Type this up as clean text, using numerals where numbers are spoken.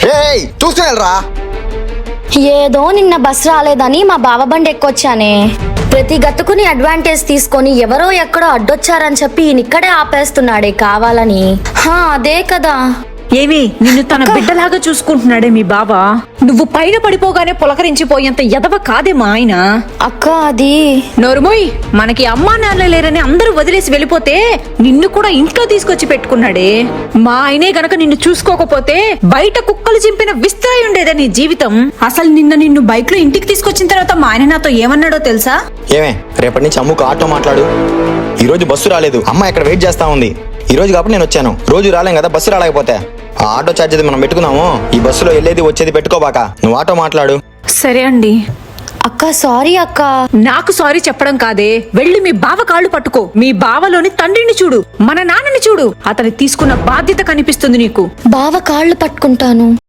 చూసుకెళ్ళరా. ఏదో నిన్న బస్ రాలేదని మా బావ బండి ఎక్కొచ్చానే. ప్రతి గతుకుని అడ్వాంటేజ్ తీసుకొని ఎవరో ఎక్కడో అడ్డొచ్చారని చెప్పి ఈయనిక్కడే ఆపేస్తున్నాడే కావాలని. అదే కదా. ఏమి నిన్ను తన బిడ్డలాగా చూసుకుంటున్నాడే మీ బావ. నువ్వు పైన పడిపోగానే పులకరించిపోయేంత ఎదవ కాదే మా ఆయన. అక్క అది నోరుమోయ్, మనకి అమ్మా నాన్న లేరని అందరూ వదిలేసి వెళ్ళిపోతే నిన్ను కూడా ఇంట్లో తీసుకొచ్చి పెట్టుకున్నాడే. మా ఆయనే గనక నిన్ను చూసుకోకపోతే బయట కుక్కలు చింపిన విస్తరాయి ఉండేదే నీ జీవితం. అసలు నిన్ను బైక్ లో ఇంటికి తీసుకొచ్చిన తర్వాత మా ఆయన నాతో ఏమన్నాడో తెలుసా? ఏమే, రేపటి నుంచి అమ్ముకు ఆటో మాట్లాడు. ఈ రోజు బస్సు రాలేదు, అమ్మ ఇక్కడ వెయిట్ చేస్తా ఉంది. ఈ రోజు కాబట్టి నేను వచ్చాను. రోజు రాలేం కదా, బస్సు రాలేకపోతే. ఆ ఆటో ఛార్జ్ మనం పెట్టుకున్నాము. ఈ బస్సులో వెళ్ళేది వచ్చేది పెట్టుకోబాక. నువ్వు ఆటో మాట్లాడు. సరే అండి. అక్క సారీ అక్క. నాకు సారీ చెప్పడం కాదే, వెళ్ళి మీ బావ కాళ్ళు పట్టుకో. మీ బావలోని తండ్రిని చూడు, మన నాన్నని చూడు. అతని తీసుకున్న బాధ్యత కనిపిస్తుంది నీకు. బావ కాళ్ళు పట్టుకుంటాను.